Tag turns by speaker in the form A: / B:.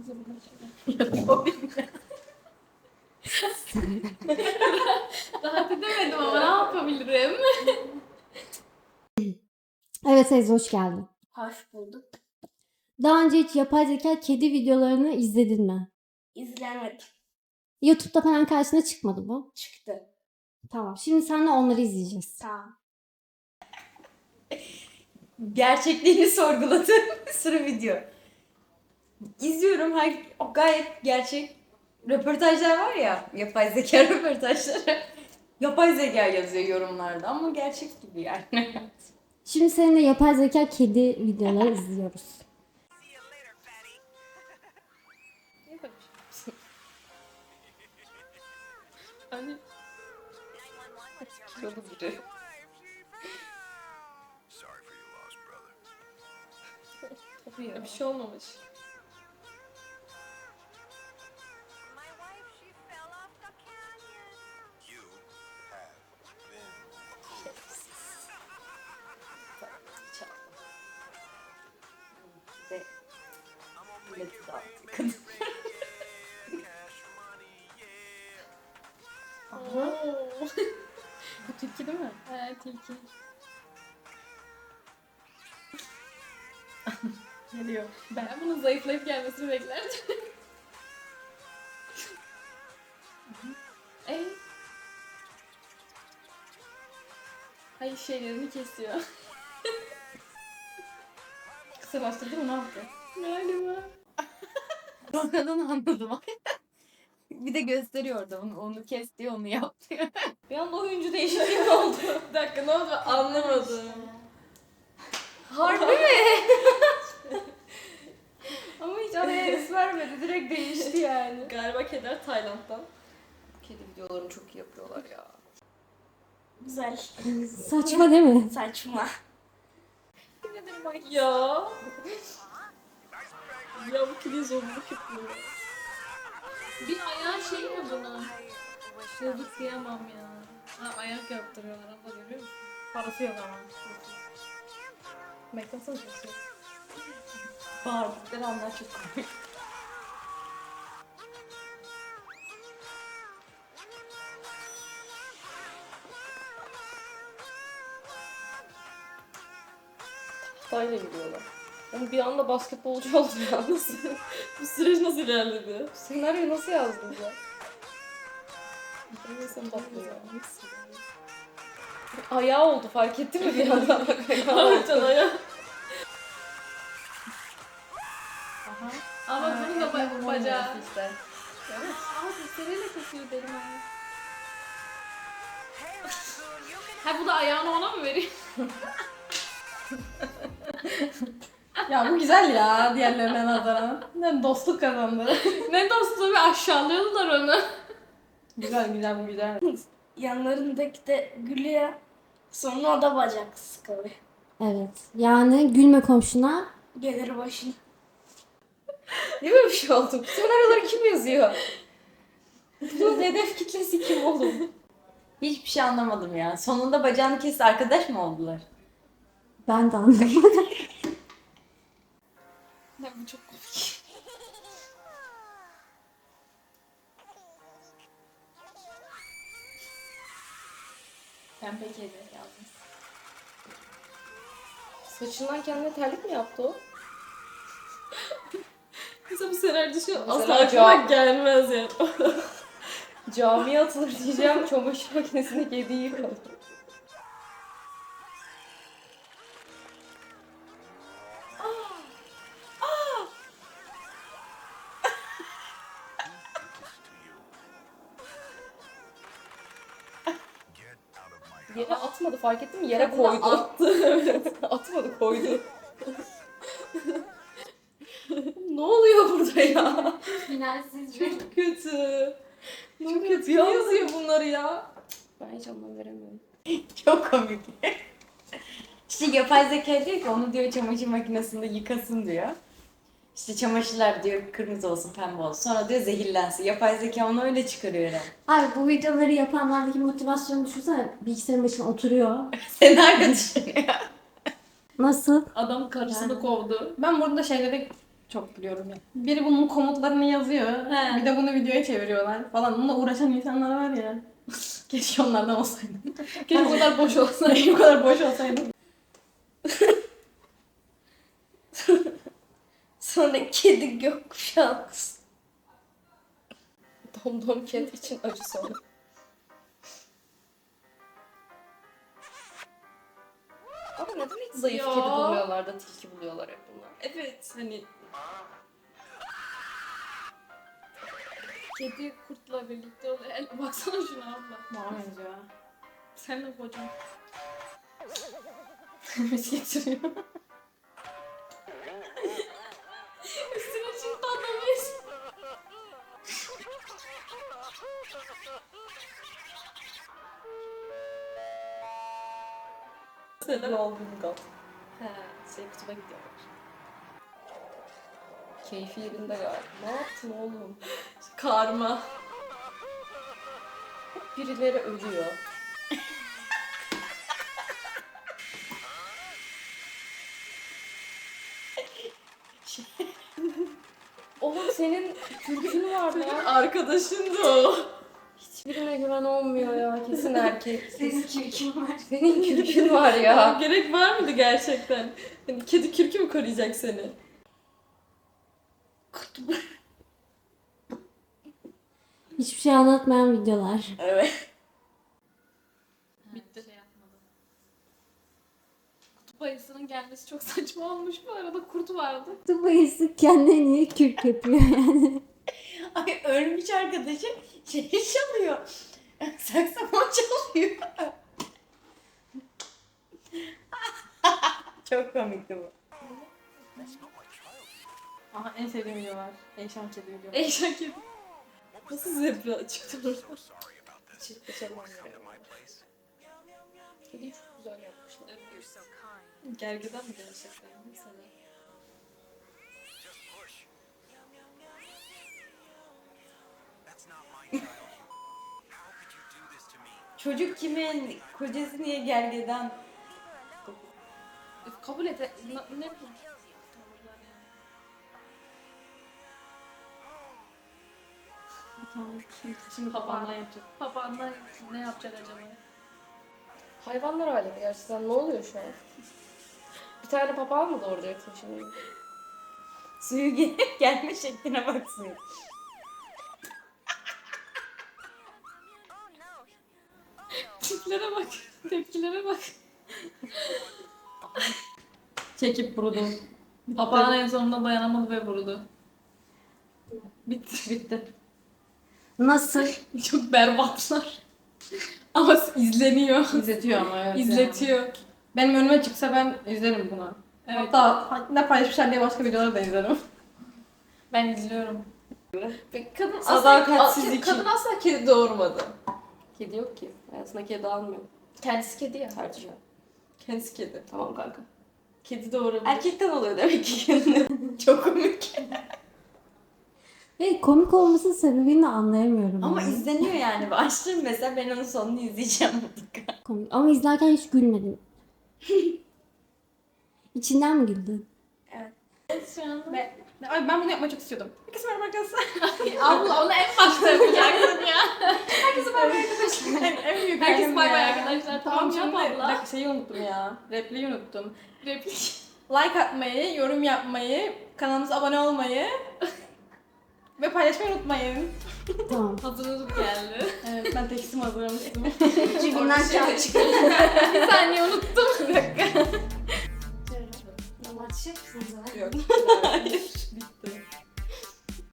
A: Rahat edemedim ama ne yapabilirim?
B: Evet Ezgi, hoş geldin.
C: Hoş bulduk.
B: Daha önce hiç yapay zeka kedi videolarını izledin mi?
C: İzlemedim.
B: YouTube'da falan karşına çıkmadı bu.
C: Çıktı.
B: Tamam. Şimdi seninle onları izleyeceğiz.
C: Tamam.
D: Gerçekliğini sorguladığım bir sürü video. İzliyorum, gayet gerçek röportajlar var ya, yapay zeka röportajları. Yapay zeka yazıyor yorumlarda ama gerçek gibi yani.
B: Şimdi seninle yapay zeka kedi videoları izliyoruz.
A: Hani kilolu biri. Tabii ya, bir şey olmamış.
D: Ve milleti dağıtıyor kadın.
A: Bu tilki değil mi? He, tilki. Geliyor. Ben bunun zayıflayıp gelmesini beklerdim. Hayır, şeylerini kesiyor.
D: Kısalaştırdı mı, ne yaptı?
A: Galiba.
D: Sonradan anladım. Bir de gösteriyor orada onu kes diyor, onu yap diyor.
A: Bir anda oyuncu değişikliği mi oldu? Bir dakika, ne oldu? Anlamadım.
D: Harbi mi?
A: Ama hiç araya es vermedi. Direkt değişti yani. Galiba keder Tayland'dan.
D: Kedi videolarını çok iyi yapıyorlar ya.
C: Güzel.
B: Saçma değil mi?
C: Saçma.
A: Ya. Ya bu kedi zorluk yapıyor. Bir ayağı şey mi buna? Yazık diyemem ya. Ha, ayak yaptırıyorlar abla, görüyor musun? Parası yok ama. Beklasana çok.
D: Bağırdıkları anlar çok komik.
A: Tahtayla gidiyorlar. Ama bir anda basketbolcu oldu ya. Nasıl? Bu süreç nasıl ilerledi? Bu senaryoyu nasıl yazdın ya? Neyse tatlı ya. Ayağı oldu, fark ettin mi bir anda? Bak ayağı oldu. Ayağı. Ama bunun da bacağı.
D: işte.
A: Evet. Ama dişleriyle kesiyor benim ayağı. Ha, bu da ayağını ona mı veriyor?
D: Ya bu güzel ya diğerlerine nazaran. Ne dostluk kazandı.
A: Ne dostluğu, bir aşağılıyorlar onu.
D: Güzel güzel, bu güzel.
C: Yanlarındaki de gülüyor. Sonra o da bacaksız kalıyor.
B: Evet. Yani gülme komşuna.
C: Gelir başına.
D: Değil mi bir şey oldu? Bu senaryoları kim yazıyor? Bunun hedef kitlesi kim oğlum? Hiçbir şey anlamadım ya. Sonunda bacağını kesti, arkadaş mı oldular?
B: Ben de anlamadım.
A: Ne, bu çok komik.
D: Pembe kedi yazmış.
A: Saçından kendine terlik mi yaptı o? Mesela bu senaryo şu asla
D: Mesela
A: aklıma gelmez yani.
D: Camiye atılır diyeceğim, çamaşır makinesinde kediyi yıkadı.
A: Yere atmadı, fark ettin mi? Yere
D: Kadına
A: koydu. Attı. Evet.
D: Atmadı, koydu. Ne oluyor burada ya?
C: Finalsiz
D: Çok kötü.
A: Çok kötü. Kim yazıyor bunları ya? Ben hiç anlam veremiyorum.
D: Çok komik. İşte yapay zeka diyor ki onu diyor çamaşır makinesinde yıkasın diyor. İşte çamaşırlar diyor kırmızı olsun, pembe olsun. Sonra diyor zehirlensin. Yapay zeka onu öyle çıkarıyor herhalde.
B: Abi bu videoları yapanlardaki motivasyonu düşünsene. Bilgisayarın başına oturuyor.
D: Senaryo düşünüyor.
B: Nasıl?
A: Adam karısını kovdu.
D: Ben burada şeyleri
E: çok gülüyorum ya. Biri bunun komutlarını yazıyor.
A: He.
E: Bir de bunu videoya çeviriyorlar falan. Bununla uğraşan insanlar var ya. Keşke onlardan olsaydım.
A: Keşke bu kadar boş olsa.
E: Bu kadar boş olsaydım.
C: Sonra kedi gökkuşağı.
D: Domdom kedi için acı sonu. Ama neden hiç zayıf
A: Ya.
D: kedi bulmuyorlar da tilki buluyorlar hep bunlar?
A: Evet hani kedi kurtla birlikte oluyor. Baksana şuna abla.
E: Bana benziyor.
A: Sen de kocam.
E: Bisiklet sürüyor.
A: Üstüne çıktı adamız.
D: Lolbungal. He, kutuma gidiyorlar. Keyfi yerinde galiba. Ne yaptın oğlum?
A: Karma.
D: Birileri ölüyor. Oğlum senin kürkün var ya.
A: Arkadaşın da o.
D: Hiçbirine güven olmuyor ya. Kesin erkek.
B: Senin kürkün var.
D: Senin kürkün var ya.
A: Gerek var mıydı gerçekten? Hani kedi kürkü mü koruyacak seni?
B: Hiçbir şey anlatmayan videolar.
C: Evet.
A: Bitti. Şey yapmadım. Kutup ayısının gelmesi çok saçma olmuş. Bu arada kurt vardı.
B: Bu bayısı kendine niye kürk yapıyor yani?
C: Ay ölmüş arkadaşı şey çalıyor. Saksafon çalıyor. Çok komikti bu.
E: Aha en sevdiğim videolar. Eyşan kedi videoları.
A: Eşek kedi. Nasıl zebra çıktı orada?
D: Çiftleşemem ya. Kediyi çok güzel yapmışlar.
A: Gergedan mı gerçekten? Mesela.
C: Çocuk kimin? Kocası niye gergedan?
A: Kabul et. Ne bu?
E: Şimdi papağandan yapacak.
A: Papağanlar ne yapacak acaba?
D: Hayvanlar alemi gerçekten ne oluyor şu an? Bir tane papağan mı doğuracaksın şimdi?
C: Suyu gelme şekline bak suyu.
A: Tiplere bak. Tepkilere bak.
E: Çekip vurdu.
A: Papağan en sonunda dayanamadı ve vurdu. Bitti.
E: Bitti.
B: Nasıl?
A: Çok berbatlar. Ama izleniyor.
E: İzletiyor ama evet.
A: İzletiyor.
E: Yani. Benim önüme çıksa ben izlerim bunu.
A: Evet.
E: Hatta ne paylaşmışlar diye başka videoları da izlerim.
A: Ben izliyorum. Kadın
E: Sadakatsizlik.
A: kadın asla kedi doğurmadı.
D: Kedi yok ki. Hayatına kedi almıyor.
A: Kendisi kedi ya.
D: Tercih.
A: Kendisi kedi.
D: Tamam kanka.
A: Kedi doğurabilir.
C: Erkekten oluyor demek ki kendini. Çok komik.
B: Ve komik olmasının sebebini de anlayamıyorum.
C: Ama
B: yani.
C: izleniyor yani. Açtım mesela ben onun sonunu izleyeceğim mutlaka.
B: Komik. Ama izlerken hiç gülmedim. İçinden mi güldün?
A: Şu anda.
E: Ay ben bunu yapmayı çok istiyordum. Herkese merhaba arkadaşlar.
A: Abla onu en başta yapacaksın ya.
E: Herkese merhaba arkadaşlar. en büyük
A: Herkes
E: halim
A: bay bay
E: ya.
A: arkadaşlar. Tamam
E: Tamam
A: yap
E: şimdi bir
A: abla.
E: dakika şeyi unuttum ya. Repliği unuttum.
A: Replik.
E: Like atmayı, yorum yapmayı, kanalımıza abone olmayı ve paylaşmayı unutmayın.
B: Tamam.
A: Hazırlık geldi.
E: Evet ben tekstim hazırlamıştım.
B: Cebimden kağıt çıkardım.
A: Bir saniye unuttum. Bir dakika.
B: Açacak mısınız?
A: Yok.
E: Bitti.